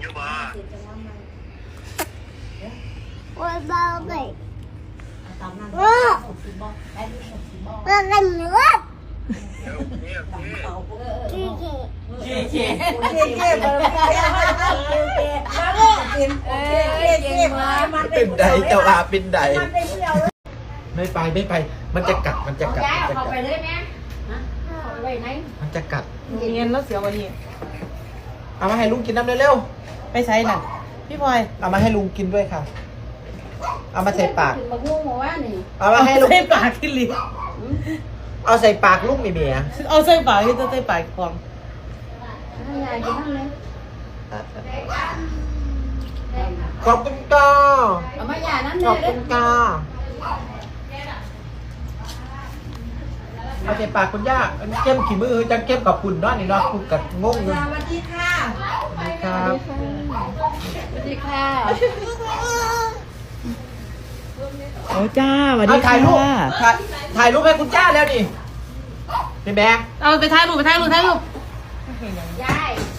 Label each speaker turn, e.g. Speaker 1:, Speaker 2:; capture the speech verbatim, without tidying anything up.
Speaker 1: อยู่บ่
Speaker 2: ว่าเบาเลยว่าว่ากันเนื้อขี้เกียจขี้เกียจขี้เกียจ
Speaker 3: เป็นใดเจ้าอาเป็นใดไม่ไปไม่ไปมันจะกัดมันจะกัดมันจะกัดมันจะกัด
Speaker 4: เงินแล้วเสียวันนี้
Speaker 3: เอามาให้ลุงกินน้ำเร็ว
Speaker 4: ไปใช้น่ะพี่พลอย
Speaker 3: ๆเอามาให้ลุงกินด้วยค่ะเอามาใส่ปาก
Speaker 5: บักม่วงหัวนี่
Speaker 3: เอามาให้ลุง
Speaker 4: ใส่ปากขึ้นลิ้น
Speaker 3: เอาใส่ปากลุงมีเมีย
Speaker 4: เอาใส่ปากที่จะใส่ปากของ
Speaker 5: ให้ยายกินน้ำเลย
Speaker 3: ขอบคุณก้า
Speaker 5: เอามาหย่าน้ำ
Speaker 3: ข
Speaker 5: เล
Speaker 3: อบ
Speaker 5: ย
Speaker 3: คุณก้าเอาใส่ปากคุณย่าอันนี้เข้มขี้มือจังเข้มกับคุณเนาะนี่เนาะคุณกับงงเลยสวัสดีค่ะสวัสดีครับ
Speaker 5: สวัสดีค่ะ
Speaker 4: โอ้จ้าสวัสดี
Speaker 3: เอาถ่ายรูปถ่ายถ่ายรูปให้คุณจ้าแล้วนี่เป็นแบง
Speaker 4: เอาไปถ่ายรูปไปถ่ายรูปถ่ายรูป
Speaker 5: ยาย